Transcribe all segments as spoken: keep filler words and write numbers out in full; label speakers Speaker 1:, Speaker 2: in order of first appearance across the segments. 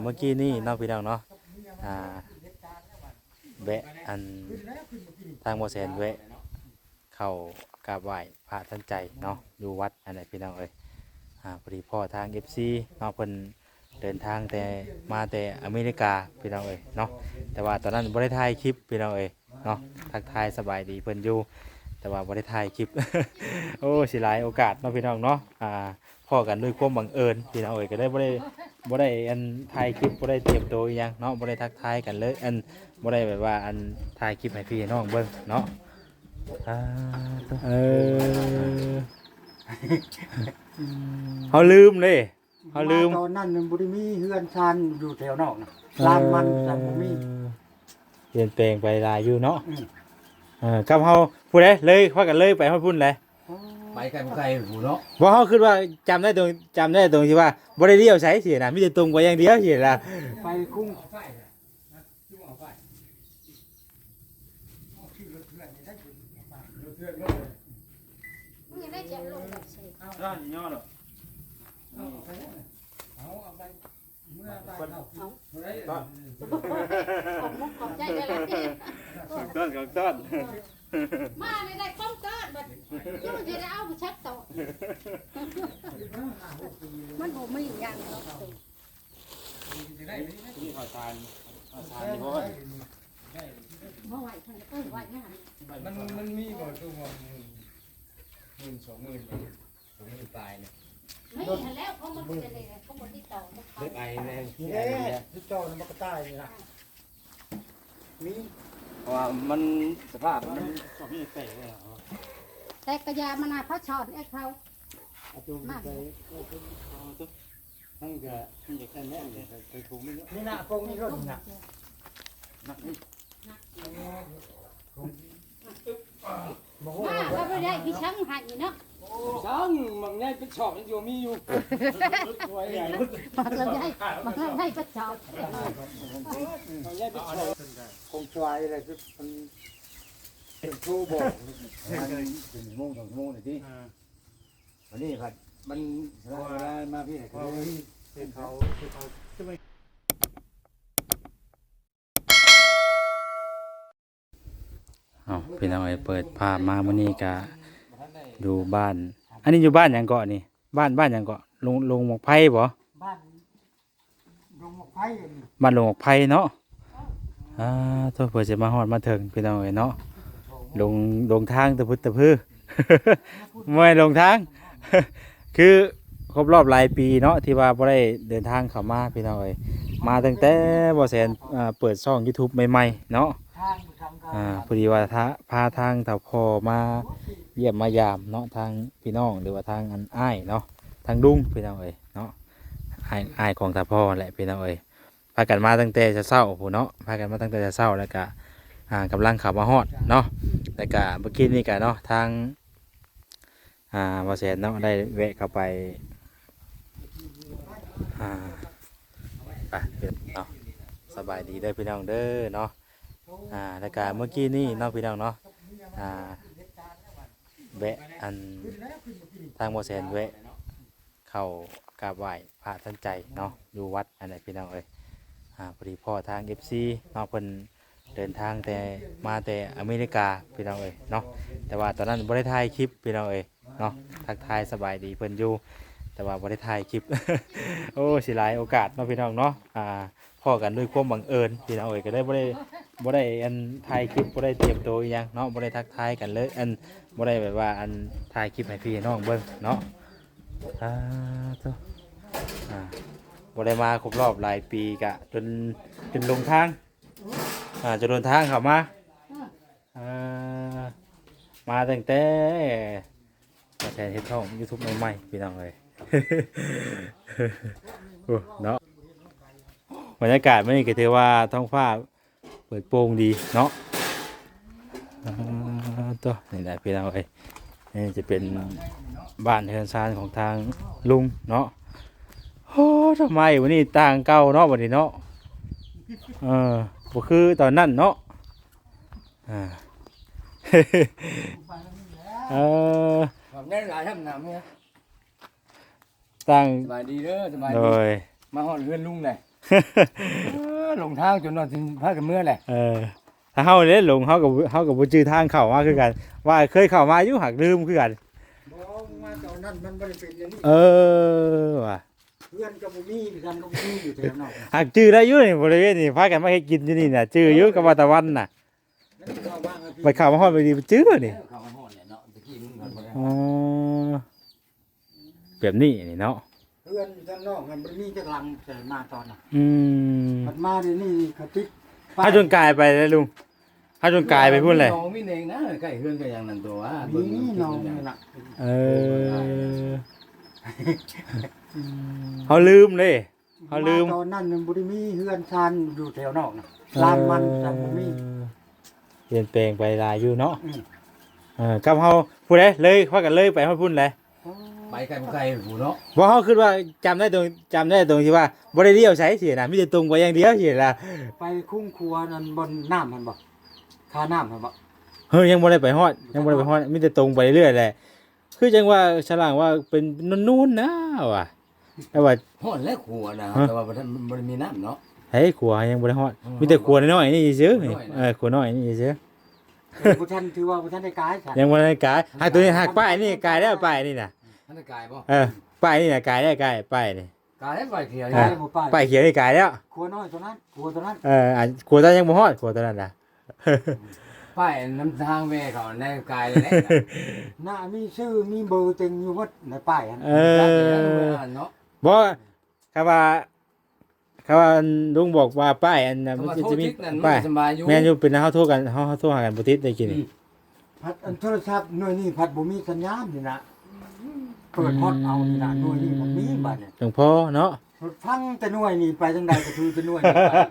Speaker 1: เมื่อกี้นี่น้องพี่น้องเนาะอ่าแวะอันทางโมเสนแวะเข้ากราบไหว้พระท่านใจเนาะอยู่วัดอันไหนพี่น้องเอ้ยอ่าพอดีพ่อทาง เอฟ ซี เนาะเพิ่นเดินทางแต่มาแต่อเมริกาพี่น้องเอ้ยเนาะแต่ว่าตอนนั้นบ่ได้ถ่ายคลิปพี่น้องเอ้ยเนาะทักทายสบายดีเพิ่นอยู่แต่ว่าบ่ได้ถ่ายคลิป โอ้สิหลายโอกาสเนาะพี่น้องเนาะอ่าพ่อกันด้วยความบังเอิญพี่น้องเอ้ยก็ได้บ่ได้บ่ได้อันถ่ายคลิปบ่ได้เตรียมตัวอีหยังเนาะบ่ได้ทักทายกันเลยอันบ่ได้แบบว่าอันถ่ายคลิปให้พี่ให้น้องเบิ่งเนาะอ่าเออเฮาลืมเลยเฮาลืม
Speaker 2: ตอนนั้นบ่ได้มีเฮือนชานอยู่แถวนอกนะลานมันแต่บ่มี
Speaker 1: เปลี่ยนแปลงไปหลายอยู่เนาะเออกับเฮาผู้ใดเลยพากันเลยไปฮอดพุ่นเลย
Speaker 3: ไปไกลบ่ไกลหูเนาะ
Speaker 1: บ่เฮาคิดว่าจำได้ตรงจำได้ตรงที่ว่าบ่ได้เลี้ยวใช้สินะมีแต่ตรงไปอย่างเดียวสิล่ะ
Speaker 2: ไปกุ้ง
Speaker 4: มึงยังได้เจ็บลงแบบสิ
Speaker 1: ร้านย่อหรอ
Speaker 2: เอาเอาไปเมื่อไปเอา
Speaker 1: ต้น
Speaker 4: ขอบมุกขอบใจได้แล้วนี่
Speaker 1: ต้นของต้น
Speaker 4: มาในได้ป้องเกิดบัดยังมันจะได้เอาไปชักต่อมันบ่มีอย่างเนาะ
Speaker 1: นี่ขอทานขอทานนี่บ่ว่า
Speaker 4: บ่ไหวเพิ่นเอ้ยไหวงาน
Speaker 3: มันมันมีบ่ตัวบ่หมื่นหมื่นสองหมื่นสองหมื่นปลายเนี่ย
Speaker 4: ไม่เห็นแล้วเขามันจะเลยเขาบ่ติดต่อมันเขา
Speaker 3: เล็กไอ้แน่
Speaker 2: นี่แหละที่จอมันก็ตายนี่ล่ะมี
Speaker 3: เพราะว่ามันสภาพมัน
Speaker 1: ก็มีเตะเลยเหรอ
Speaker 4: แต่กระยามันน่ะเขาชอนไอ้เขา
Speaker 1: เอาตัวไปเอาตัวทั้งก็ทั้งจะแค่แน่เลยไปถูกไม่เยอะ
Speaker 2: นี่น่ะพวกนี้รถน่ะ
Speaker 1: นักนี่
Speaker 2: บ่ฮู้
Speaker 4: มาเขาบ่ได้พี่ช้างให้เนาะ
Speaker 3: ช่างมันง่ายเป็นชอบมันอยู่มีอยู่ตัวใหญ่
Speaker 4: มาก็ได้มาก็ได้ก็ชอบ
Speaker 3: มันง่ายเป็นชอบ
Speaker 2: คงชวายอะไรคือมันเป็นครูบอกเป็นโมงสองโมงนี่ติวันนี้ครับมันเวลามาพี่ก็เลยเป็นเขาเป็นเขา
Speaker 1: อ๋อพี่น้องไอ้เปิดภาพมามื้อนี้ก็ดูบ้าน อันนี้อยู่บ้านหยังเกาะนี่บ้านบ้านหยังเกาะลงลงหมกไผ่บ่
Speaker 2: บ้านลงหมกไผ่นี่
Speaker 1: บ้านลงหมกไผ่เนาะอ่าโทษเพิ่นสิมาฮอดมาถึงพี่น้องเอ้ยเนาะลงลงทางตะพุตตะพือ ไม่ลงทาง คือครบรอบหลายปีเนาะที่ว่าบ่ได้เดินทางเข้ามาพี่น้องเอ้ยมาตั้งแต่บ่แสนอ่าเปิดช่อง YouTube ใหม่ๆเนาะ
Speaker 2: ทางทางการ
Speaker 1: อ่าพอดีว่าถ้าพาทางเต่าพอมาเยี่ยมมายามเนาะทางพี่น้องหรือว่าทางอันอ้ายเนาะทางดุ้งพี่น้องเอ้ยเนาะอ้ายอ้ายของตาพ่อแหละพี่น้องเอ้ยพากันมาตั้งแต่จะเศร้าผู้เนาะพากันมาตั้งแต่จะเศร้าแล้วก็อ่ากำลังขับมาฮอดเนาะแล้วก็เมื่อกี้นี่ก็เนาะทางอ่าบอแสนเนาะได้แวะเข้าไปอ่าไปเนาะสบายดีเด้อพี่น้องเด้อเนาะ อ่าแล้วก็เมื่อกี้นี่น้องพี่น้องเนาะอ่าแวะอันทางโมเสนแวะเข้ากราบไหว้พระท่านใจเนาะอยู่วัดอันไหนพี่น้องเอ้ยอ่าพอดีพ่อทาง เอฟ ซี เนาะเพิ่นเดินทางแต่มาแต่อเมริกาพี่น้องเอ้ยเนาะแต่ว่าตอนนั้นบ่ได้ถ่ายคลิปพี่น้องเอ้ยเนาะทักทายสบายดีเพิ่นอยู่แต่ว่าบ่ได้ถ่ายคลิป โอ้สิหลายโอกาสเนาะพี่น้องเนาะอ่าพ่อกันด้วยความบังเอิญพี่น้องเอ้ยก็ได้บ่ได้ บ่ได้อันถ่ายคลิปบ่ได้เตรียมตัวอีหยังเนาะบ่ได้ทักทายกันเลยอันบ่ได้แบบว่าอันถ่ายคลิปให้พี่น้องเบิ่งเนาะอ่าตัวอ่าบ่ได้มาครบรอบหลายปีกะจนจนลงทางอ่าจนลงทางเข้ามาอ่ามาตั้งแต่มาแทนเฮ็ดช่อง YouTube ใหม่ๆพี่น้องเอ้ย โอ้เนาะบรรยากาศมื้อนี้ก็ถือว่าท้องฟ้าเปิดโปร่งดีเนาะตัวนี่แหละพี่น้องเอ้ยนี่จะเป็นบ้านเฮือนซานของทางลุงเนาะโอ้ทำไมวันนี้ต่างเก่าเนาะวันนี้เนาะเออบ่คือตอนนั้นเนาะอ่า เออ
Speaker 3: แบบนี้หลายท่านนำเนี่ย
Speaker 1: ต่าง
Speaker 3: สบายดีเด้อสบาย
Speaker 1: โด
Speaker 3: ดี
Speaker 1: ย
Speaker 3: มาฮอดเรือนลุงเลย
Speaker 2: ลงทางจนนอนถึงพากันเมื่อแหละ
Speaker 1: เออถ้าเฮาเด้หลงเฮากับเฮากับบ่จื้อทางเข้ามาคือกัน ว่าเคยเข้ามาอยู่หักลืมคือกัน
Speaker 2: บ่มาตอนนั้นมันบ่ได้เป็นอย่างนี้
Speaker 1: เออว่ะ
Speaker 2: เพื่อนก็บ่มีกันก็บ่มีอยู่แถวนอก
Speaker 1: หักจื้อได้อยู่นี่บริเวณนี่พากันมาเฮ็ดกินอยู่นี่น่ะจื้ออยู่กับว่าตะวันน่ะ
Speaker 2: นั่นเข้าบ้างครับพี่
Speaker 1: ไปเข้ามาฮอดไปดีจื้อนี่
Speaker 2: เข้ามาฮอดเนี่ยเนาะตะกี้มึงก่อนบ่ได้
Speaker 1: อ๋อแบบนี้นี่เนาะ
Speaker 2: เพื่อนอยู่ข้างนอกมันบ่มีจักลังแต่มาตอนน่ะ
Speaker 1: อืม
Speaker 2: มันมาเดี๋ยวนี้เขาติด
Speaker 1: ถ้าจนกลายไปเลยลุงถ้าจนกลายไปพูดเลย
Speaker 2: น้องมีเองนะใกล้เฮือนก็อย่างนั้นตัวว่ามีน้องนี่น่ะ
Speaker 1: เออเขาลืมเลย เขาลืม
Speaker 2: ตอนนั้นมันบ่ได้มีเฮือนชานอยู่แถวนอกน่ะลานมันแต่บ่มี
Speaker 1: เปลี่ยนแปลงไปหลายอยู่เนาะ
Speaker 2: อืม
Speaker 1: เออกับเฮาพูดได้เลยพากันเลยไปเฮาพูดเลย
Speaker 2: ไปไกลบ่ไกลหูเนาะ
Speaker 1: บ่เฮาคิดว่าจำได้ตรงจำได้ตรงที่ว่าบ่ได้เลี้ยวใช้สินะมีแต่ตรงไปอย่างเดียวสิล่ะ
Speaker 2: ไปคุ้งครัวนั่นบนน้ำมันบ่คาน้ำมันบ่
Speaker 1: เฮ้ยยังบ่ได้ไปฮอดยังบ่ได้ไปฮอดมีแต่ตรงไปเรื่อยๆแหละคือจังว่าฉลางว่าเป็นนู่นๆนะว่ะแต่ว่า
Speaker 2: ฮอดแล้วครัวนะแต่ว่าบ่ทันบ่ได้มีน้ำเนาะ
Speaker 1: เฮ้ยขัวยังบ่ได้ฮอดมีแต่ขัวน้อยๆนี่ซื่อนี่เออขัวน้อยนี่ซื่อ
Speaker 2: บ่ทันถือว่าบ่ทันได้กายค่ะ
Speaker 1: ยังบ่ได้กายหากตัวนี้หักป้ายนี่กายแล้วป้ายนี่น่ะ
Speaker 2: ทันได้กายบ่
Speaker 1: เออป้ายนี่น่ะกายได้กายป้ายนี่
Speaker 2: กายไปเขียว
Speaker 1: อ่า
Speaker 2: ได้บ่ป้าย
Speaker 1: ป้ายเขียวนี่กายแล้ว
Speaker 2: ครัวน้อยตัวนั้นครัวตัวนั้น
Speaker 1: เอออ่ะขัวตอนยังบ่ฮอดขัวตอนนั้นน่ะ
Speaker 2: ป้ายน้ำทางแม่เขาในกายเลยหน้ามีชื่อมีเบอร์เต็งอยู่หมดในป้ายอัน
Speaker 1: เออ
Speaker 2: เนาะ
Speaker 1: บ่คำว่าคำว่าลุงบอกว่าป้ายอันน่ะมันจะมีป้าย
Speaker 2: สบายอยู่
Speaker 1: แม่นอยู่เป็นเฮาโทรกันเฮาเฮาโทรหากันบ่ติดได้กินนี่
Speaker 2: พัดอันโทรศัพท์หน่วยนี้พัดบ่มีสัญญาณนี่นะเปิดฮอตเอานี่นะหน่วยนี้บ่มีบัดเนี่ย
Speaker 1: จังพ่อเนาะ
Speaker 2: ฟังแต่หน่วยนี่ไปจังใดก็คือแต่หน่วยนี่ไป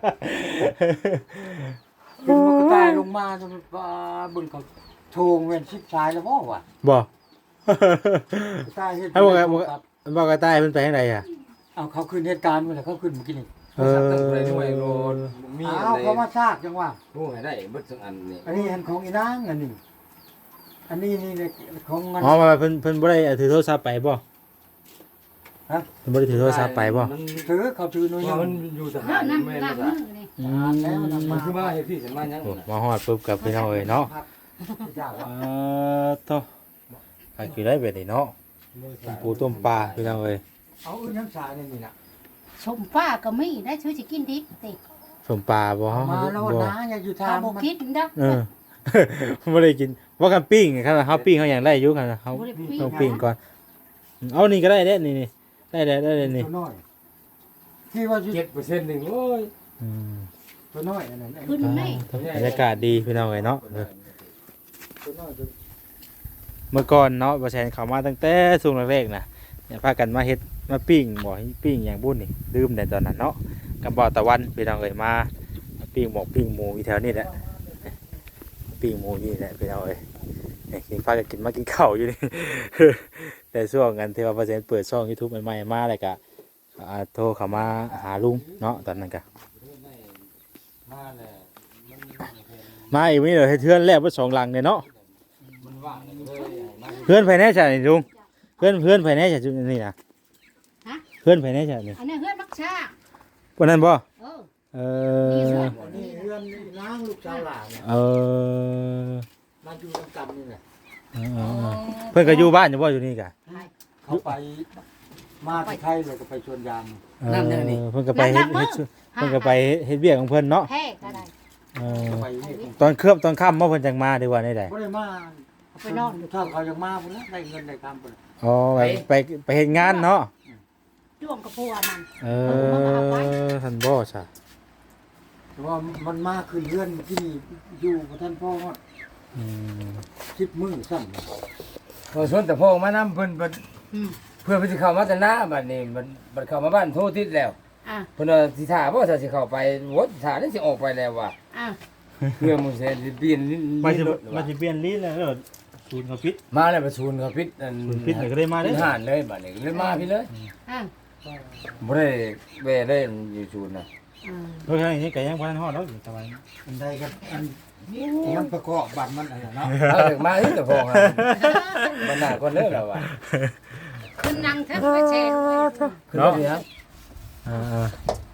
Speaker 2: เป็นมันก็ตายลงมาจนว่าเบิ่งเขาโทงเว้นชิบชายแล้วบ่วะ
Speaker 1: บ่
Speaker 2: ตายเฮ็ด
Speaker 1: ให้บอกไงบอก บอกกระต่ายเพิ่นไปทางใดอ่ะ
Speaker 2: เอาเขาขึ้นเหตุการณ์มาแล้วเขาขึ้นเมื่อกี้นี่
Speaker 1: เออ
Speaker 2: มีเอาเขามาซากจังว่า
Speaker 3: รู้ให้ได้เบิดทั้งอันนี่
Speaker 2: อันนี้อันของอีนางอันนี้อันนี้นี่ของมัน
Speaker 1: อ๋อมาเพิ่นเพิ่นบ่ได้ถือโทรศัพท์ไปบ่ฮะเพิ่นบ่ได้ถือโทรศัพท์ไปบ่
Speaker 3: มัน
Speaker 2: ถือเขาถือหน่วย
Speaker 3: มันอยู่ท
Speaker 4: เรื่
Speaker 3: หา
Speaker 4: อง
Speaker 3: ร
Speaker 4: นั้น
Speaker 3: แม่น
Speaker 4: ล้าง
Speaker 3: บ่
Speaker 4: มื
Speaker 3: ซะ
Speaker 4: อนี่
Speaker 1: อื
Speaker 2: แล้วนำ
Speaker 3: มั
Speaker 2: มาน
Speaker 3: คือมาเฮ็ดพี่ฉันมาหยัง
Speaker 1: โอ้มาฮอดปุ๊บกับพี่น้องเอ้ยเนาะ
Speaker 2: ยาก
Speaker 1: เออโตไปกินได้เบ็ดนี่เนาะต้มปูต้มปลาพี่น้องเอ้ย
Speaker 2: เอาอื่นน้ำชาเนี่ยนี่นะ
Speaker 4: ชมป้าก็มีได้ช่วยสิกินดิบติ
Speaker 1: ต้มปลาบ่
Speaker 2: มาแล้ว
Speaker 1: บ่
Speaker 2: นะอย่าอยู่ทา
Speaker 4: ถ้าง บ่คิดเด้อ
Speaker 1: เออ บ่ได้กินว่ากันปิ้งครับเฮาปิ้งเฮายังได้อยู่ครับเฮา
Speaker 4: บ่ได้ปิ้ง
Speaker 1: ต้องปิ้งก่อนเอานี่ก็ได้เด้นี่นี่ได้ได้ได้นี่
Speaker 2: ตัวน้อยที่ว่า
Speaker 3: เจ็ดเปอร์เซ็นต์นึงโอ้ย
Speaker 1: อืม
Speaker 2: ตัวน้อยอันนั้น
Speaker 4: ขึ้นนี่
Speaker 1: บรรยากาศดีพี่น้องเอ้ยเนาะเออ
Speaker 2: ตัวน้อยตัว
Speaker 1: เมื่อก่อนเนาะบ่แซนเข้ามาตั้งแต่ช่วงแรกๆน่ะเนี่ยพากันมาเฮ็ดมาปิ้งบ่ให้ปิ้งอย่างบุญนี่ลืมแต่ตอนนั้นเนาะกับบ่อตะวันพี่น้องเอ้ยมาปิ้งหมกปิ้งหมูอยู่แถวนี้แหละปิ้งหมูนี่แหละพี่น้องเอ้ยเนี่ยกินพากันกินมากินข้าวอยู่นี่ แต่ช่วงกันที่ว่าบ่แซนเปิดช่อง YouTube ใหม่ๆมาแล้วก็อ่าโทรเข้ามาหาลุงเนาะตอนนั้นก็
Speaker 3: มาแล้ว
Speaker 1: มาอีกมื้อเดียวเฮ็ดเทือนแล้วบ่สองหลังเนี่ยเนาะ
Speaker 3: มันว่างเลยมา
Speaker 1: เพื่อนภายในจ้ะนี่ลุงเพื่อนเพื่อนภายในจ้ะจุดนี่นะเพื่อนภายในจ้ะนี่
Speaker 4: อันนี้เฮือนมักชา
Speaker 1: วันนั้นบ่
Speaker 4: เออ
Speaker 1: เอ
Speaker 4: นี่
Speaker 1: อ
Speaker 4: สวย
Speaker 2: นี่เพื่อนนางลูกชาวหลานเนี่ย
Speaker 1: เออ
Speaker 2: มาอยู่กำนี่แหละ
Speaker 1: เออเออเพื่อนก็อยู่บ้านอยู่บ่อยู่นี่กะ
Speaker 2: เขาไปมาที่ไทยเลยก็ไปชวนยาง
Speaker 1: เออเพื่อนก็ไปเฮ็ดเฮ็ดเพื่อนก็ไปเฮ็ดเวียกของเพิ่นเนาะ
Speaker 4: แท้ก็ได้
Speaker 1: เออ
Speaker 2: ไปนี่
Speaker 1: ตอนเคลือบตอนค่ำบ่เพิ่นจังมาดีกว่าได้ใด
Speaker 2: บ่ได้มา
Speaker 4: ไปนอน
Speaker 2: ถ้าเขายังมาพุ่นแล้วได้เงินได้คำพุ่น
Speaker 1: อ๋อไปไปไปเฮ็ดงานเนาะ
Speaker 4: จ้วงกับพัวมัน
Speaker 1: เออท่านบ่จ้ะ
Speaker 2: แต่ว่ามันมาขึ้นเรือนที่นี่อยู่กับท่านพ่อฮอด
Speaker 1: อืม
Speaker 2: สิบมื้อซ้ำ
Speaker 3: พอชวนแต่พ่อมานำเพิ่นเพิ่น
Speaker 4: อืม
Speaker 3: เพื่อนเพิ่นสิเข้ามาแต่หน้าบัดนี้มันบัดเข้ามาบ้านโทรติดแล้ว
Speaker 4: อ่ะ
Speaker 3: เพิ่นว่าสิท่าบ่ถ้าสิเข้าไปวดท่าได้สิออกไปแล้วว่ะ
Speaker 4: อ่ะ
Speaker 3: เพื่อมึงสิเปลี่ยนลิ้น
Speaker 1: มาสิ
Speaker 3: รถ
Speaker 1: มาสิเปลี่ยนลิ้นแล้วเด้อศูนย์เขาปิด
Speaker 3: มาแล้วประชุนเขาปิดอัน
Speaker 1: ศูนย์ปิดก็ได้มา
Speaker 3: ได้
Speaker 1: เด้อ
Speaker 3: หานเลยบัดนี้เลยมาพี่เลย
Speaker 4: อ่ะ
Speaker 3: บ่ได้แว่ได้อยู่ชูนน่ะ
Speaker 4: อ่า
Speaker 1: โดยทางนี้ก็ยังบ่ทันฮอดเนาะตะวัน
Speaker 2: อันใดกันอันมันประกอบบัตรมันอะไรเนาะ
Speaker 3: เอาถึงมาที่แต่พองอ่ะมันหน้าคนเด้อแล้วว่ะ
Speaker 4: ขึ้นนั่งเถอะไปแชร์
Speaker 3: ขึ้นมาพี่ครับ
Speaker 1: อ่า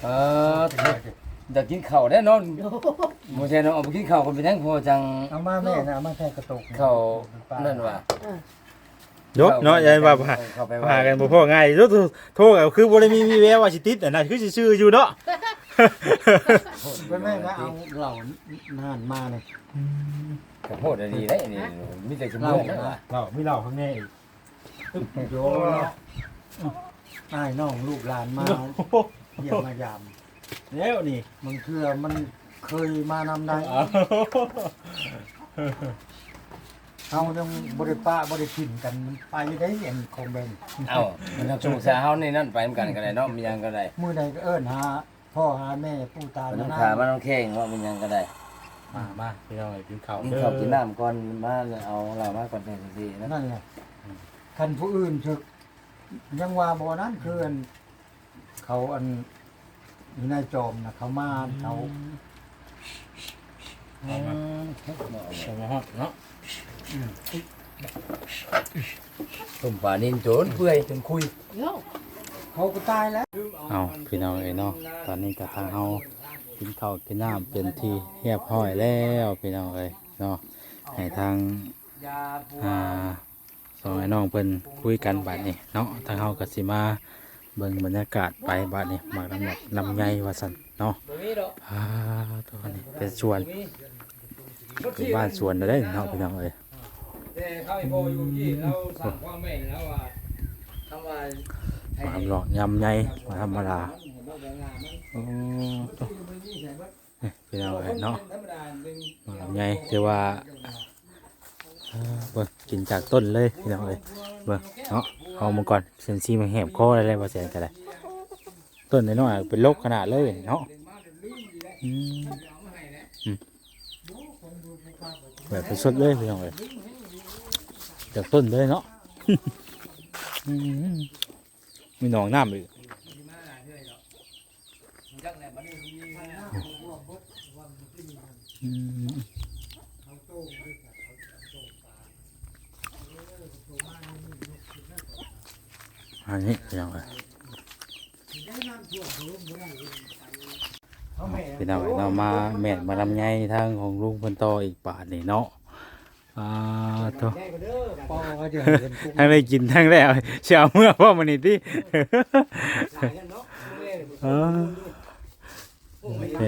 Speaker 2: เอออยากกินข้าวได้เนาะบ่ใช่เนาะเอาไปกินข้าวกันไปทั้งพอจัง
Speaker 3: เอามาแม่นะเอามาแค่กระตุก
Speaker 2: ข้าวนั่นว่า
Speaker 1: ยกเนาะยันว่าพา
Speaker 2: เข้าไป
Speaker 1: พากันบ่พอง่ายโทรโทรก็คือบ่ได้มีมีแววว่าสิติดอันนั้นคือสิชื่ออยู่เนาะ
Speaker 3: เป็นแม่นะเอาเหล่านานมาเลย
Speaker 2: ขอโทษดีได้นี่มีแต่สมองนะว่า
Speaker 3: เราไม่เล่าข้างในอีกโยเนาะอ้ายน้องลูกหลานมาเยี่ยมมายาม
Speaker 1: แล้วนี่
Speaker 3: มันเคือมันเคยมานำได้เฮาต้องบริปะบริกินกันมันไปได้เห็นคอมเมนต์
Speaker 2: เอ้ามันต้องสู้ซาเฮานี่นั่นไปเหมือนกันก็ได้เนาะมีหยังก็ได้
Speaker 3: มื้อใดก็เอิ้นหาพ่อหาแม่ปู่ตา
Speaker 2: มันต้อง
Speaker 3: น้า
Speaker 2: ขามันต้องแข้งว่ามันหยังก็ได้
Speaker 1: มามาพี่น้องกินข้าว
Speaker 2: กิน
Speaker 1: เด้อ
Speaker 2: ข้าวกินน้ำก่อนมาเอาเรามาก่อนแท้สินะ
Speaker 3: นั่นแหละคันผู้อื่นถึกยังว่าบ่นั้นคืออันเขาอันอยู่ในจอมนะเขามาเขา
Speaker 2: อืม
Speaker 1: สมฮอดเนาะ
Speaker 2: ต้มปลานิ่นโจนเปื่อยจนคุย
Speaker 4: โย
Speaker 3: เขาก็ตายแล้ว
Speaker 1: เอาพี่น้องเอ้ยเนาะตอนนี้ก็ทางเฮากินข้าวกินน้ำเป็นที่เรียบร้อยแล้วพี่น้องเอ้ยเนาะให้ทางอ่าสองไอ้น้องเพิ่นคุยกันบัดนี้เนาะทางเฮาก็สิมาเบิ่งบรรยากาศไปบัดนี้หมากลำหยักลำไยว่าซั่นเนาะอ่าตัวนี้เป็นสวนเป็นบ้านสวนได้เนาะพี่น้องเอ้ย
Speaker 2: แต่เขาไอ้โบอยู่ที่เราสั่งความแม่งแล้วว่าคำว่า
Speaker 1: มาทำหลอกยำไงมาธรรมดาโอ้ตัวนี่พี่น้องเอ้ยเนาะมาทำไงเรียกว่าอ่าเบิ่งกินจากต้นเลยพี่น้องเอ้ยเบิ่งเนาะเอามาก่อนเซนซีมาแหบคออะไรเลยว่าเสียกันเลยต้นน้อยๆเป็นโรคขนาดเลยเนาะอืมอืมแบบเป็นสดเลยพี่น้องเอ้ยจากต้นเลยเนาะ อืมมีหนองน้ำอีกอืมอันนี้พี่น้องเอ้ยพี่น้องเอ้ยเรามาแม่นมาลำไยทางของลุงเพิ่นต่ออีกบาทนี่เนาะอ่าตัว
Speaker 3: พ่อก็จะเห็นกุ้ง
Speaker 1: ทั้งได้กินทั้งได้เอาเช้าเมื่อพ่อมันนี่ที่เออโอเค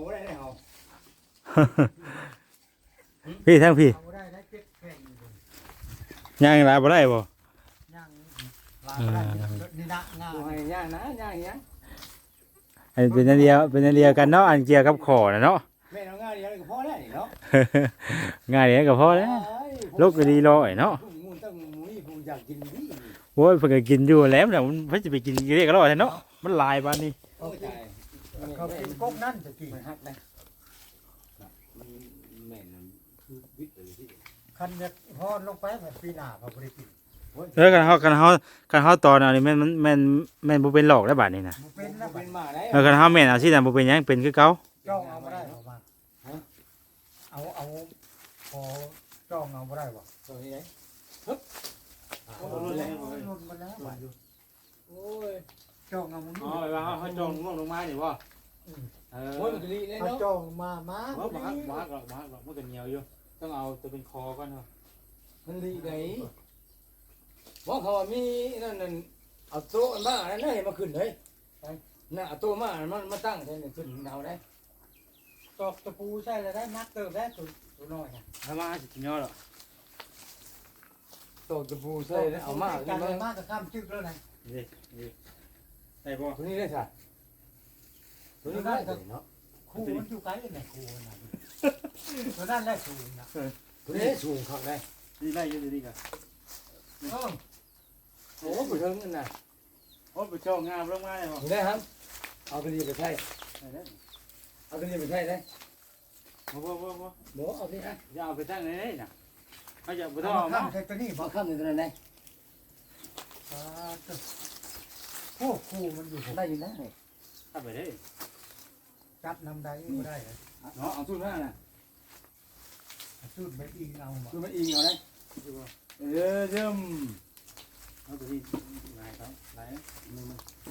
Speaker 1: พี่ทั้งพี่
Speaker 3: เอาได้ได้เจ็ดแข่งอยู่เลย
Speaker 1: ย่างหลายบ่ได้บ่
Speaker 3: ย่างลายได้นี่นะงา
Speaker 2: โอ้ยย่างนะย่างยัง
Speaker 1: อันเป็นอันเดียวเป็นอันเดียวกันเนาะอันเกี่ยวกับขอนะเนาะ
Speaker 2: แม่น้องง่ายเดียวก็พอได้เนาะ
Speaker 1: ง่ายเดียวก็พอแล้วลูกก็ดีร้อยเนาะ
Speaker 2: มูต้องมีผู้อยากกินดี
Speaker 1: โอ้ยเพิ่นก็กินอยู่แล้วแต่มันเพิ่นจะไปกินเรียกร้อยเนาะมันหลายบาดนี้
Speaker 2: โอ้ยตาย
Speaker 3: เขากินก๊กนั่นจะกี่
Speaker 2: มันฮักนะมันแม่นคือวิทย์เลยที่
Speaker 3: คันเนี่ยพอลงไปแบบปีหน้าเขาบริกิน
Speaker 1: เออกันเฮากันเฮากันเฮาตอนอันนี้แม่นมันแม่นแม่นบ่เป็นหลอกได้บาดนี้นะ
Speaker 3: บ่เป็นนะ
Speaker 2: เป็นมาได้
Speaker 1: เออกันเฮาแม่นเอาสิน่ะบ่เป็นหยังเป็นคือเก่า
Speaker 3: จ้องเอาไม่ได้หรอกมาเอาเอาพอจ้องเอาไม่ได้บ่
Speaker 2: ตัวนี้ไง
Speaker 3: โอ้ยหล่นมาแล้วบ่อยู่
Speaker 2: โอ้ย
Speaker 3: จ้องเอามัน
Speaker 1: อ๋อว่าเฮาจองง่วงลงมานี่บ่เออ
Speaker 2: โอ้ยมันจะดีเลย
Speaker 3: เอา
Speaker 2: เนาะ
Speaker 3: จ้องมามา
Speaker 1: บ่บ่ฮักบ่ฮักหรอกบ่ฮักหรอกมันก็เหนียวอยู่ต้องเอาตัวเป็นคอก่อนเนาะ
Speaker 2: มันดีไงว่าเขาว่ามีนั่นนั่นเอาโต๊ะมาอันนั้นให้มาขึ้นเลยน่ะเอาโต๊ะมามันมาตั้งได้ขึ้นเอาได้
Speaker 3: ตอกตะปูใช่เลยได้นักเติบได้ตัวตัวน้อยนะ
Speaker 1: ถ้ามาสิกินยอดหรอก
Speaker 2: โต๊ะตะปูใส่เอามา
Speaker 3: กั
Speaker 2: ขึ้
Speaker 3: น
Speaker 2: น
Speaker 3: เล
Speaker 2: มาย
Speaker 3: มากกับข้ามจึกแล้วนะ
Speaker 1: นี่นี่ได้บ่
Speaker 2: ตัวนี้ได้ค่ะตัวนี้ได้เนาะ
Speaker 3: ครูมันอยู่ไกลเลยนะครูนะตัวนั้นได้สูงนะ
Speaker 2: ตัวนี้สูงครับได้
Speaker 1: นี่ได้อยู่ดีๆก็
Speaker 3: เออ
Speaker 2: โอ้ไปถึงนั่นน่ะ
Speaker 1: โอ้ไปจ้องงามลงมาได้บ่
Speaker 2: อยู่ได้ครับเอาตัวนี้ไปใช้
Speaker 1: ได้ได้
Speaker 2: เอาตัวนี้ไปใช้ได้
Speaker 1: บ่บ่บ่บ่
Speaker 2: บ่เอาที่ฮะ
Speaker 1: อย่าเอาไปตั้งไหนๆน่ะเขาจะบ่ต้
Speaker 3: ต้
Speaker 1: อ
Speaker 3: อง ง
Speaker 1: เอา
Speaker 3: ข้า
Speaker 1: มา
Speaker 3: มใส่ตัวนี้
Speaker 2: บ่
Speaker 3: บ่
Speaker 2: ข้ามในตัวนั้นได้
Speaker 3: อ่าตัวพวกครูมันอยู่ผม
Speaker 2: ได้อยู่นะ
Speaker 1: ถ้าไปได้
Speaker 3: จับนำได้ก็ได้เลย
Speaker 2: เนาะเอาสู้มาน่ะ
Speaker 3: จุดไปอีกเอาบ่
Speaker 2: สู้มาอิงเอาได้เออเริ่ม
Speaker 1: เอาตัวนี้ลายเขาลายมือมัน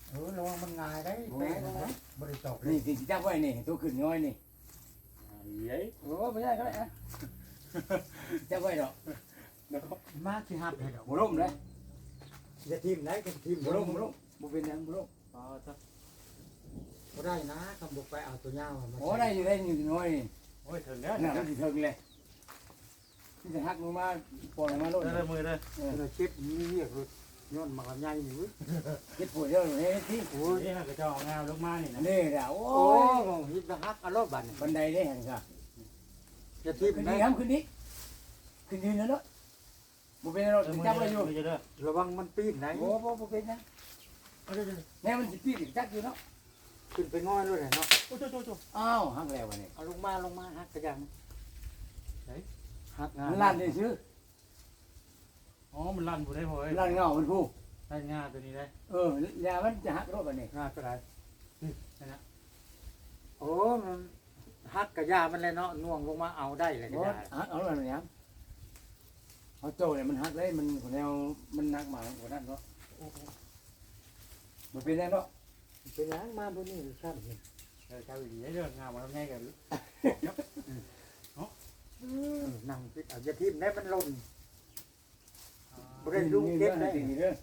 Speaker 3: เออระวังมันง่ายได้แม่นะบ่ได้ตอกเลย
Speaker 2: นี่ที่จับไว้นี่ตัวขึ้นน้อยนี่
Speaker 5: เย้ย
Speaker 2: โอ้ไม่ได้ก็ได้อะจับไว้ดอก
Speaker 3: มาสิหับให้ดอก
Speaker 2: บ่ล้มเลย
Speaker 3: อย่าทีมไหนกันทีม
Speaker 2: บ่ล้มบ่ล้มบ่เป็นหยังบ่ล้ม
Speaker 5: อ๋อจ้ะ
Speaker 3: บ่ได้นะคำบอกไปเอาตัวยาวมา
Speaker 2: โอ้ได้อยู่ได้อยู่น้อยนี่
Speaker 5: โอ้ยถึงแล้ว
Speaker 2: น่ะมันสิถึงเลยที่จะหักลงมาปล่อยมาโลด
Speaker 5: ได้มือเลย
Speaker 3: เราเช็ดมีเรียกรถย้อนมาใหญ่นี่เว้ย
Speaker 2: เจ็บปวดเยอะเลยที่
Speaker 3: โอ้ย
Speaker 5: นี่ฮะก็จะเอางามลงมานี่นะ
Speaker 2: นี่ด่าโอ้
Speaker 3: โอ้
Speaker 2: ย
Speaker 3: ยฮิตฮักอารมณ์บัดนี่
Speaker 2: บันไดได้เห็นค่ะ
Speaker 3: อย่าทีม
Speaker 2: ขึ้น
Speaker 3: ไหน
Speaker 2: นี้ครับขึ้นนี้ขึ้นยืนแล้วเนาะบ่เป็นรถจับไว้อยู่
Speaker 5: จะเด้อ
Speaker 3: ระวังมันปีนไหน
Speaker 2: โอ้บ่บ่เป็นนะแน่มันสิปีกจักอยู่เนาะ
Speaker 3: ขึ้นไปง่อยเลยเนาะ
Speaker 5: โอ้โจโจโจ
Speaker 2: อ้าวหักแล้ววันนี้
Speaker 3: เอาลงมาลงมาฮักกระยังฮักงา
Speaker 2: มันลั่นได้ชื่อ
Speaker 5: อ๋อมันลั่นผู้ได้พอ
Speaker 2: ลั่นเงามันผู้
Speaker 5: ได้งาตัวนี้ได้
Speaker 2: เออยามันจะหักรถวันนี้
Speaker 3: งาก็ได้
Speaker 5: นั่นนะ
Speaker 3: โอ้มันฮักกระยามันเลยเนาะน่วงลงมาเอาได้เลยกระ
Speaker 2: บ่
Speaker 3: ยา
Speaker 2: หักเอาแล้วเนี่ยเอาโจเนี่ยมันหักเลยมันคนแนวมันหนักมากกว่านั้นเนาะบ่เป็นไรเนาะ
Speaker 3: เป็นหยังมาบนนี้ครับ
Speaker 5: เออเจ้าอีเด้องามมันง่ายกัน
Speaker 3: นั่งคิดเอาอย่าทีมได้มันหล่นบ่
Speaker 2: ได้
Speaker 3: ได้
Speaker 2: ลู
Speaker 3: ลู
Speaker 2: ก
Speaker 3: ก
Speaker 2: เก็
Speaker 3: เก็
Speaker 2: บบ ได้
Speaker 3: ได้
Speaker 2: จริงเด้อ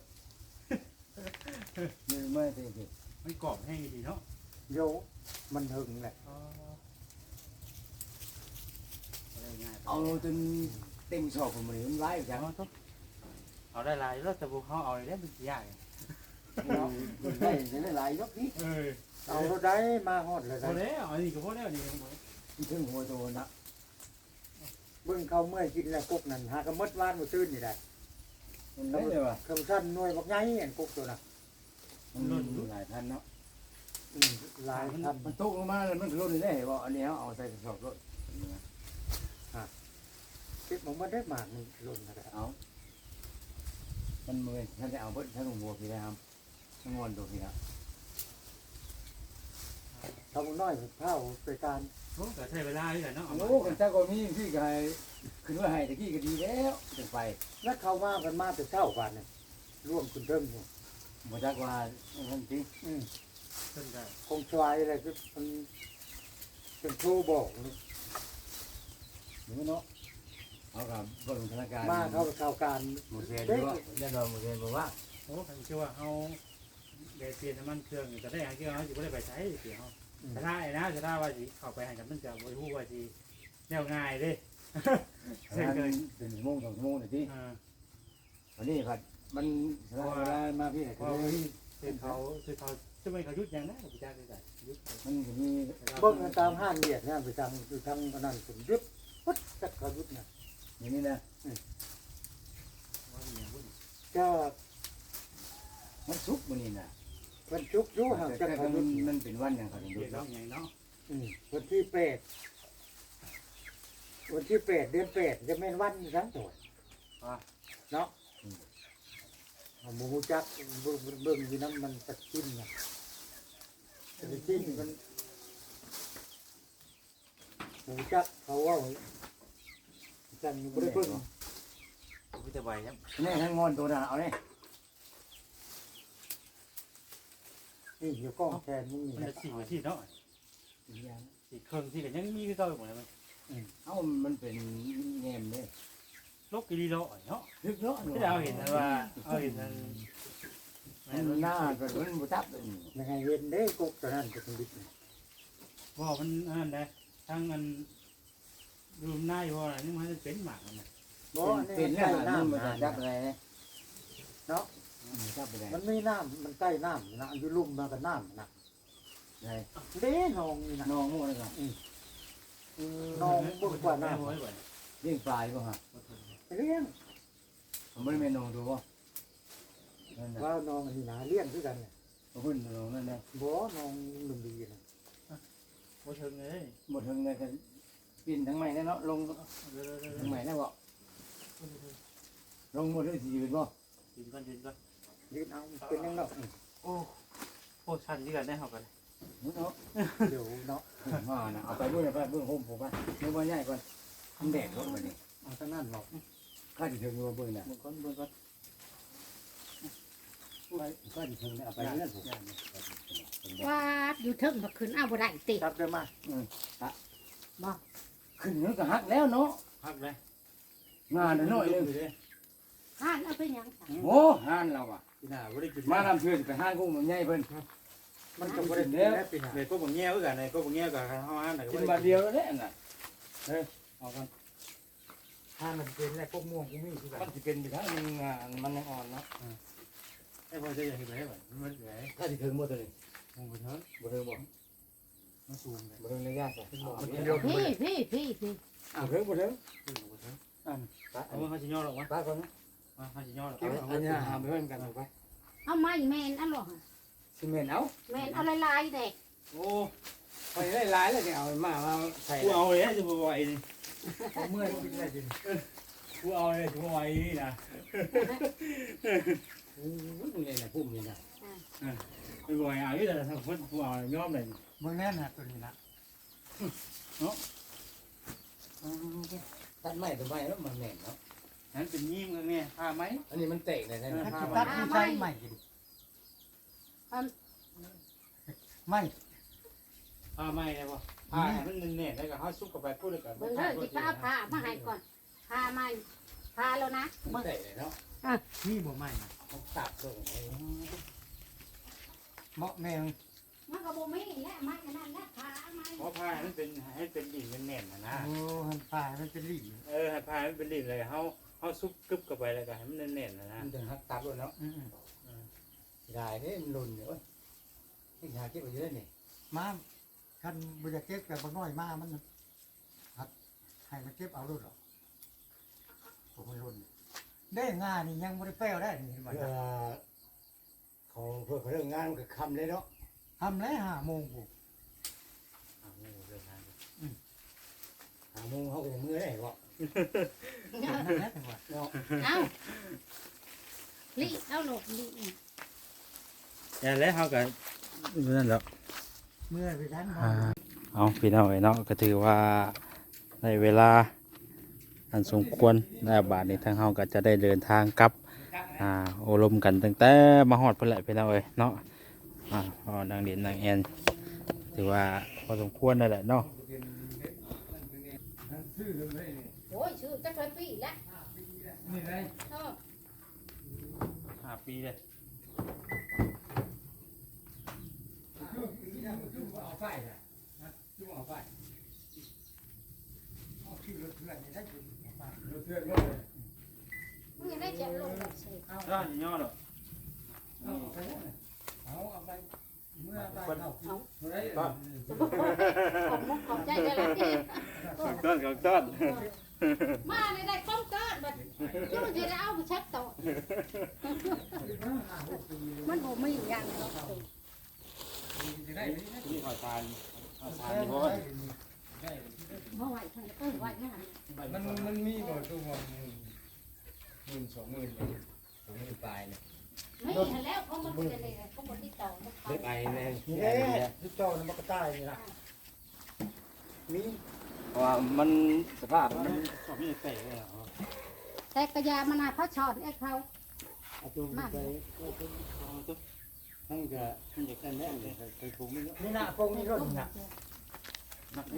Speaker 2: นี่ไม่จริง
Speaker 5: มันกรอบแห้งดีเนาะ
Speaker 3: โยมันหึงแหละ
Speaker 5: อ๋อได้ง่าย
Speaker 2: เอาจนเต็มชอบผมเลยมันไล่จัง
Speaker 5: เอาต้องเอาได้ลายแล้วแต่พวกเขาเอาได้เป็นยาก
Speaker 2: เนาะได้ได้หลายยกนี้
Speaker 5: เออ
Speaker 3: เอาเราได้มาฮอดเลย
Speaker 5: พอ
Speaker 3: ได้
Speaker 5: แล้วอันนี้ก็พอแล้วนี่
Speaker 2: ถึงหัวโตนะ
Speaker 3: เบิ่งเขาเมื่อยกินแล้วกุกนั่นหากระมดวานบ่ตื่นนี่ได้
Speaker 2: มันได้เลยว่ะ
Speaker 3: คำสั้นหน่วยบักใหญ่อันกุกตัวน่ะ
Speaker 2: มันหลายพันเนาะ
Speaker 3: อืมหลายพัน
Speaker 2: มันตกลงมาแล้วมันก็ลดได้บ่อันนี้เอาใส่กระสอบรถ
Speaker 3: เก็บมันบ่ได้มากมันหล่นนะครับ
Speaker 2: เอามันมือท่านจะเอาเพิ่นท่านหัวพี่นะครับทั้งงอนตัวพี่นะ
Speaker 3: ทำน้อยเท่าไปการ
Speaker 5: โอ้ก็ใช้เวลาอยู่เนาะ
Speaker 2: โอ้คนเจ้าก็มีพี่ก็ให้ขึ้นว่าให้ตะกี้ก็ดีแล้วจังไป
Speaker 3: แล้วเข้ามากันมาแต่เช้ากันนี่ร่วมคุณเทิงอยู่
Speaker 2: บ่จักว่าท่านจริง
Speaker 3: อืม
Speaker 5: ขึ้นได้
Speaker 3: คงชวายอะไรคือมันเป็นโทรบอกนี่
Speaker 2: หรือเนาะเอากับเบิ่งธนาคาร
Speaker 3: มาเข้าเข้าการ
Speaker 2: หมดเรียนด้วยแล้วเราหมดเรียนบอกว่า
Speaker 5: โอ้ผมเชื่อว่าเขาเดเปลี่ยนน้ำมันเครื่องจะได้หาเกี่ยวเขาจะไม่ได้ไปใช้เสียเขาจะได้นะจะได้ว่าสิเข้าไปให้กับมันจะบริหูว่าสิแนวง่ายเด้
Speaker 2: เช่นเคยเป็นชั่วโมงสองชั่วโมงเลยที่
Speaker 5: อ่า
Speaker 2: วันนี้ครับมันเวลามาพี่ไหน
Speaker 5: เพ
Speaker 2: ก็
Speaker 5: ราะ
Speaker 2: เล
Speaker 5: ว่าย คือเขาคือเขาจะไม่เขายุดอย่างนั้นพี่จ้าได้แต่ยุด
Speaker 2: มันก็มี
Speaker 3: เบิ่งกันตามห้างเดียดเนี่ยไปทางไปทางอันนั้นผมยึดปุ๊บจักเขายึดเนี่ย
Speaker 2: อย่างนี้นะ
Speaker 5: ว่ามีอย่างวุ่น
Speaker 3: ก็
Speaker 2: มันสุกมันนี่นะ
Speaker 3: วันชุกอยู่ห่างจาก
Speaker 2: แต่
Speaker 3: เขา
Speaker 2: มั
Speaker 3: ยึ
Speaker 2: น
Speaker 3: ด
Speaker 2: มันเป็นวันอย่างเขาถึง
Speaker 5: เดี๋
Speaker 2: ดู
Speaker 5: ยวน้องใหญ่เนาะ
Speaker 3: อืมวันที่แปดวันที่แปดเดือนแปดจะเป็นวันทั้งตัวเนาะเอาหมูจักเบิ่งเบิ่งอยู่น้ำมันตะกินเนี่ยตะกินมันหมูจักเขาว่าจังอยู่บริเบิ่ง
Speaker 5: พี่จะไหวครับ
Speaker 2: นี่ทั้งงอนตัวน่ะเอาเนี่ย
Speaker 3: นี่อยู่กล้องแทนมึงนี่
Speaker 5: มันจะสี่หัวที่เนาะสี่เครื่องที่กันยังมีคือเก่าอยู่หมดเลย
Speaker 2: เอ้ามันเป็นแงมเลย
Speaker 5: ลบกิริโลเนาะ
Speaker 2: ลึกเนาะ
Speaker 5: ที่เราเห็นนะว่าเอาเห็นนั้น
Speaker 2: มันหน้าก็มันบุตับเลย
Speaker 3: ยังไงเห็นได้กุกตอนนั้นจะเป็นดิบเนี่ย
Speaker 5: ว่ามันอันใดทั้งอันดูหน้าอยู่ว่านี่มันจะเป็นหมากมัน
Speaker 3: บ่อัน
Speaker 2: เป็
Speaker 3: นี้
Speaker 2: น
Speaker 3: มัน
Speaker 2: แล้
Speaker 3: ใต้
Speaker 2: วมัน
Speaker 3: น้ำ
Speaker 2: จะจับอะไร
Speaker 3: เนาะ
Speaker 2: จับไปไหน
Speaker 3: มันไม่น้ำมันใต้น้ำนะอยู่ลุ่มมากับน้ำนะ
Speaker 2: ไหน
Speaker 3: เด้นองนี่นะ
Speaker 2: น้องมั่วเลยครับ
Speaker 3: นองบนกว่าน้
Speaker 2: เลี้ยงปลายป่ะฮะ
Speaker 3: ำเลี้ยง
Speaker 2: ผมไม่ได้เป็นน้องดูป่ะนั่นนะ
Speaker 3: ว่านองนี่นะเลี้ยงด้วยกันเนี่ย
Speaker 2: พุ่นน้องนั่นนะ
Speaker 3: บ่นองหนึ่งดีนะ
Speaker 5: ว่าเชิงเลย
Speaker 2: หมดทั้งเลยกันปีนทั้งใหม่เนาะลงทั้งใหม่นะบ่ลงหมดเลยสี่เป็นป่ะ
Speaker 5: ยืนก่อนยืนก่อน
Speaker 3: ยืนเอาเป็นยังเนาะ
Speaker 5: โอ้โหชันที่กันได้เหรอกัน
Speaker 2: เนาะ
Speaker 3: เดี๋ยวเนาะ
Speaker 2: มานะเอาไปเบื้องไปเบื้องโฮมผมป่ะเมื่อวันใหญ่ก่อนมันแดดรถมาเนี่ย
Speaker 3: เอาทั้งนั้นเนาะ
Speaker 2: ข้าจะถึงเบื้องน่ะ
Speaker 5: เบิ่งก่อนเบิ่งก่อนโอ้
Speaker 3: ก็ดิถึงเอาไปเรื่อยผม
Speaker 4: ว่าอยู่เทิงบ่ขึ้นเอาบ่ได้ติ
Speaker 3: ตับได้มา
Speaker 4: บ่
Speaker 2: ขึ้นมันก็หักแล้วเนาะ
Speaker 5: พักเลย
Speaker 2: งานน้อยๆเลย
Speaker 4: ห้านเอาไปหยังจ้ะ
Speaker 2: โอ้หานเราอ่ะ
Speaker 5: พี่น่าบ่ได้กิน
Speaker 2: มาทำเพื่อนไปหานกุ้งมันใหญ่เพิ่น
Speaker 3: มันก็บ่ได้กินแล้วปีหน้า
Speaker 5: ในก็บ่แง่คือกันในก็บ่แง่กับเฮาหาไหน
Speaker 2: กินมาเดียวแล้วเนี่ยน่ะ
Speaker 5: เอากัน
Speaker 3: ถ้ามันเป็นแล้วพวกม่วงกูมีคือกัน
Speaker 2: มันสิเป็นไปทางนึงอ่ะมันยังอ่อนเนาะ
Speaker 5: ให้พอจะอย่างนี้ไปบ่มันไหว
Speaker 2: ถ้าสิถึงบ่ตัวนี้
Speaker 5: มองบ่เถิง
Speaker 2: บ่ถึงบ่
Speaker 5: มันสูงเลย
Speaker 2: บ่ถึงระยะสิ
Speaker 4: พี่พี่พี่พี่
Speaker 2: อ้าวถึงบ่ถึง
Speaker 5: ขึ้นบ่เถิง
Speaker 2: อ่า
Speaker 5: เอามันเขาสิย่อหรอกวะ
Speaker 2: ตาก่อนนะ
Speaker 5: มาเขาสิย่อหรอก
Speaker 2: เอาอันนี้หามไปเพิ่นกันเอาไป
Speaker 4: เอาไม้แม่นอันหรอ
Speaker 2: ซีเมนต์เอา
Speaker 4: แม่นเอาลายๆเด็ก
Speaker 5: โอ้
Speaker 2: ไปได้หลายแล้วเนี่ยเอามามาใส่
Speaker 5: กูเอาเลยจะบ่ไหวนี่
Speaker 3: เมื่อยกินได้ดิ
Speaker 5: กูเอาเลยจะบ่ไหวนี่นะ
Speaker 2: โอ้ยมึงนี่น่ะพุ่มนี่น่ะ
Speaker 5: ไม่บ่ไหวเอาอีแต่ถ้าคนกูเอายอมเลย
Speaker 3: มึงแน่นนะตัวนี้นะ
Speaker 2: ตัดไม้ตัวไม้แล้วมันแน่นเนาะ
Speaker 5: นั้นเป็นยิ้มกันแม่พาไหม
Speaker 2: อันนี้มันเตะได้แน่
Speaker 3: ถ้า
Speaker 2: ผ้า
Speaker 3: จะ
Speaker 2: ไม้
Speaker 3: ตัดที่ใช้ใหม่กินไม่
Speaker 5: พาไหมได้บ่พาให้มันแน่ๆแล้วก็เฮาซุกเข้าไปพูดแล้วก็
Speaker 4: เบิ่งเด้อสิไปเอาผ้ามาให้ก่อนผ้าไม้ผ้าแล้วนะ
Speaker 2: มันเตะได้เนาะ
Speaker 3: นี่บ่ไม่นะ
Speaker 2: มันตัดลงไอ้
Speaker 3: เหมาะแมง
Speaker 4: มันก็บ่มีและไม้อันนั้นและผ้าไม้
Speaker 5: เพราะพาให้มันเป็นให้เป็นดินเป็นแน่นนะนะ
Speaker 3: โอ้หันปลามันเป็นลิ่ม
Speaker 5: เออให้พาให้มันเป็นดินเลยเฮาเฮาซุกกึบเข้าไปแล้วก็ให้มันแน่นๆนะนะ
Speaker 2: มันถึงหักตัดด้วยเนาะ
Speaker 3: อืม
Speaker 2: ได้เด้มันหล่นเดี๋ยวนี่หาเก็บไว้เยอะนี่
Speaker 3: มาคันบุญเก็บกับบางน้อยมามันหัดให้มันเก็บเอาด้วยหรอผมไม่รุนได้งานนี่ยังไม่ได้แป้วได้นี่เห็นไหม
Speaker 2: เพื่อเขาเพื่อเขาเรื่องงานมันก็คำเลยเนาะ
Speaker 3: ทำแล้วห้าโมงกู
Speaker 5: เอาเงินเดินทาง
Speaker 2: หาโมงเขาก็จะมือได้บ่
Speaker 3: นั่นถึงว่า
Speaker 2: เนาะ
Speaker 4: เอาลิเอาหลบลิ
Speaker 5: อย่าแล้วเฮาก็นั่นแหละ
Speaker 3: เมื่อไปทัน
Speaker 1: อ่าเอาพี่น้องไอ้เนาะก็ถือว่าในเวลาอันสมควรในบาทนี้ทางเฮาก็จะได้เดินทางกลับอ่าโอลมกันตั้งแต่มาฮอดเพิ่นแหละพี่น้องเอ้ยเนาะอ่าพอดังเด่นดังแอนถือว่าพอสมควรนั่นแหละเนาะ
Speaker 3: ซื้อเลย
Speaker 4: โอ้ยชื่อจักรปีแล้ว
Speaker 3: นี่เลย
Speaker 4: เออ
Speaker 5: ห้าปีเลย
Speaker 3: จุ่มเอาไฟนะจุ่มเอาไฟเอาขึ้นรถเพื่อนนี่ได้จุ่มเอาไฟรถเพื่อนก็เลย
Speaker 4: มึงยังได้จะลงแบบสิ
Speaker 3: เอา
Speaker 5: ร้านย่อหรอก
Speaker 3: เอาไปเอาเอาไปเมื่อไปเอาเอาได้
Speaker 4: ขอบมุกขอบใจได้แล้วที่
Speaker 5: ต้นกับต้น
Speaker 4: มาในได้ข้อมเกิดบัดจู่จะได้เอาไปเช็ดโต๊ะมันบ่มีอย่างเนาะ
Speaker 5: นี่ขอทานขอทานนี่บ่
Speaker 4: บ่ไหวเพิ่นเอ้ยไหวนะ
Speaker 2: มันมันมีบ่ตัวมันหมื่นสองหมื่นสองหมื่นปลายเนี่ย
Speaker 4: ไม่เห็นแล้วเขาบ่ได้เลยเขาบ่ติดต่อเขา
Speaker 2: เล็กไอ้แน่
Speaker 3: นี่
Speaker 2: นี่
Speaker 3: แห
Speaker 2: แน่
Speaker 3: ละที่จอมันก็ตายนี่ล่ะมี
Speaker 2: เพราะว่ามันสภาพมัน
Speaker 5: ชอบมีเตะเลยเหรอ
Speaker 4: แต่กระยามันน่ะเขาชอนไอ้เขา
Speaker 2: เอาตัวไปทั้งก็มันจะกันแน่เลยไปถูกมันเนาะ
Speaker 3: นี่น่ะคงนี่รถน่ะ
Speaker 2: นักนี่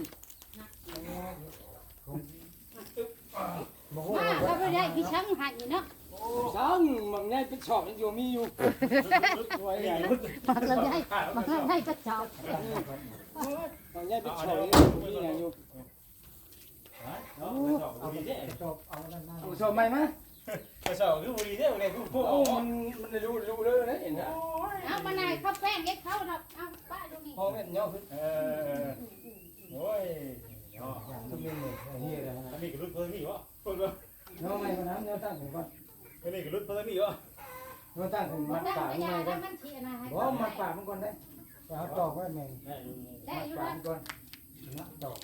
Speaker 3: บ่โห
Speaker 4: มาเราไปได้พี่ช่างให้เนาะ
Speaker 2: ช่างมันง่ายเป็นชอบมันอยู่มีอยู่ไว้ใหญ่
Speaker 4: มาเราได้มาเราได้ก็ชอบ
Speaker 2: มันง่ายเป็นชอบมีอย่างอยู่
Speaker 5: เอาเอาดีเด้
Speaker 3: จบเอานั่นมา
Speaker 2: เอาชอบไหมมั้ย
Speaker 5: ไปสอบคือบุรีเด้เนี่ยกูพูด
Speaker 2: โอ้มันมันรู้รู้เลยนะเห็นนะ
Speaker 4: เอามานายเขาแป้งเอ็ดเขาเนาะเอาป้าดูนี่
Speaker 2: พอแม่นย่อขึ้น
Speaker 5: เออโอ้ยย่อ
Speaker 3: ทุกเมนูเฮียเลย
Speaker 5: อันนี้ก็รุ่นเพิ่มนี่วะเพิ่มก็
Speaker 2: ย่อไหมคนนั้นย่อตั้งถึงก่อน
Speaker 5: อันนี้ก็รุ่นเพิ่มนี่วะ
Speaker 2: ย่อตั้งถึง
Speaker 4: มั
Speaker 2: มัน ด
Speaker 4: ได้
Speaker 2: ปาก
Speaker 4: กระ
Speaker 2: มัน
Speaker 4: ยา
Speaker 2: ไงก่
Speaker 4: แล้
Speaker 2: อ
Speaker 4: วน มันเทียนะให้
Speaker 2: บ่มัดปากมันก่อนได้
Speaker 3: เอาตอกไว้แม่ง
Speaker 5: ได้
Speaker 4: ได้
Speaker 2: มัด
Speaker 4: อยู่
Speaker 2: ปาก
Speaker 4: นะ
Speaker 2: มันก่อน
Speaker 3: นะตอก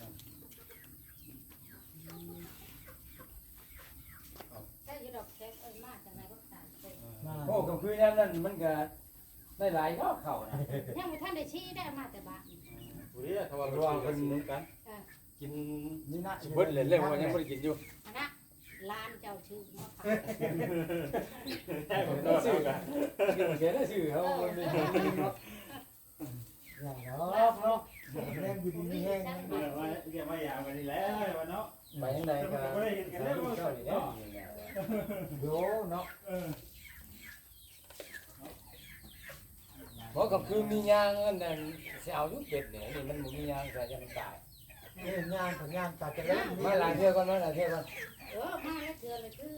Speaker 4: ได้อยู่ดอกแค่เอ้ยมาจากไหนก็ตามไป
Speaker 2: โอ้กับคืนนั้นนั่นมันก็ได้หลายเนาะเข่านะ
Speaker 4: ยังไม่ทันได้ชี้ได้มาแต่บ้าน
Speaker 5: บุรีเขาว่าเขาว่าเป็นกัน
Speaker 2: กิน
Speaker 3: นี่นะ
Speaker 2: เบิดเลยเรื่องว่ายังบ่ได้กินอยู่
Speaker 4: อันนะ
Speaker 5: อ
Speaker 4: ร้านเจ้าชื่อมาฝาก
Speaker 5: ได้ผมก็ซื้อกัน
Speaker 3: เดี๋ยวได้ชื่อเขาบ่มีเนาะอย่างเนาะเนาะแม่อยู่ดีมีแห้ง
Speaker 5: เดี๋ยวว่าเดี๋ยวว่าอยากไปนี่แล้ววันเนาะ
Speaker 3: ไปยังไงก็
Speaker 5: ไม่ได้เห็นกันแล้ว
Speaker 3: เจ้านี่แหละโยเนาะ
Speaker 5: เออ
Speaker 2: เพราะกับคือมียางอันนั้นสิเอาอยู่เป็ดเนี่ยนี่มันบ่มียางใส่จะมันตาย
Speaker 3: เอ้ยงานของงานตัดจะเล่น
Speaker 2: มาหลายเทื่อก่อนมาหลายเทื่อก่อน
Speaker 4: เออมาแล้วเจอเลยคือ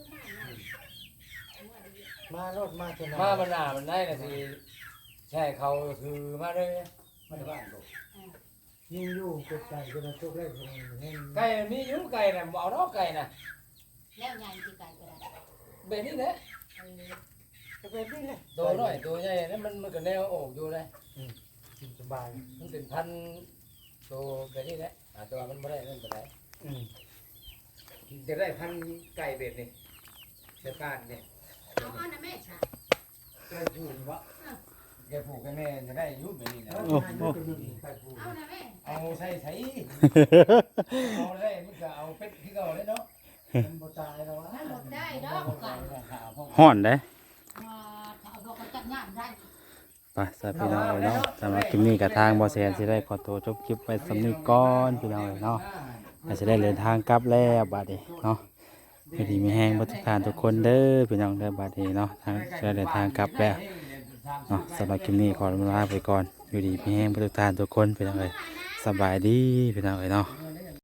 Speaker 4: มาเนาะมาดี
Speaker 3: มารถมาชนะ
Speaker 2: มามันหน้ามันได้น่ะสิใช่เขาคือมาเลยมาที่บ้านกู
Speaker 3: ยิงอยู่กดใจจนทุกเล่นแห้ง
Speaker 2: ไก่มันมีอยู่ไก่น่ะบ่เอาดอกไก่น่ะ
Speaker 4: แล้วใหญ่ที่ไก่ก็ได้
Speaker 2: แบบนี้แหละ
Speaker 4: เออ
Speaker 3: จะเป็นนี่เลย
Speaker 2: ตัวน้อยตัวใหญ่นั้นมันมันก็แนวโอกอยู่เลย
Speaker 3: กินสบาย
Speaker 2: มันเป็นพันธุ์ตัวแบบนี้แหละอ่าแตัวามันบ่ได้นั่นปานใด
Speaker 3: อืม
Speaker 2: จะได้พันธุ์ไก่เบ็ดนี่เจ้าการนี่
Speaker 4: เอาเอานะแม่ชา
Speaker 3: ใกล้พูดวะ
Speaker 2: แกผูกให้แม่จะได้อยู่แบบนี้นะ
Speaker 3: แล้วงานก็เป็นใกล้พูด
Speaker 4: เอานะแม่
Speaker 2: เอาใส่ใส่เอาได้มันก็เอาเป็ดที่เก่าเลยเนาะ
Speaker 3: มันบ่ตายแล้ววะ
Speaker 4: มันหมดได้ดอกไก่
Speaker 1: ฮ้อนเด้
Speaker 4: มาเอาดอกกระจัดงานได้
Speaker 1: ไปสวัสดีพี่น้องเอ้ยเนาะสำหรับคลิปนี้กับทางบ่แซนสิได้ขอตัวจบคลิปไว้สำนี้ก่อนพี่น้องเอ้ยเนาะอาจจะได้เดินทางกลับแล้วบัดนี้เนาะอยู่ดีมีแฮงบ่ทุกท่านทุกคนเด้อพี่น้องเด้อบัดนี้เนาะทางจะเดินทางกลับแล้วเนาะสำหรับคลิปนี้ขอลาไปก่อนอยู่ดีมีแฮงบ่ทุกท่านทุกคนพี่น้องเอ้ยสบายดีพี่น้องเอ้ยเนาะ
Speaker 2: เอ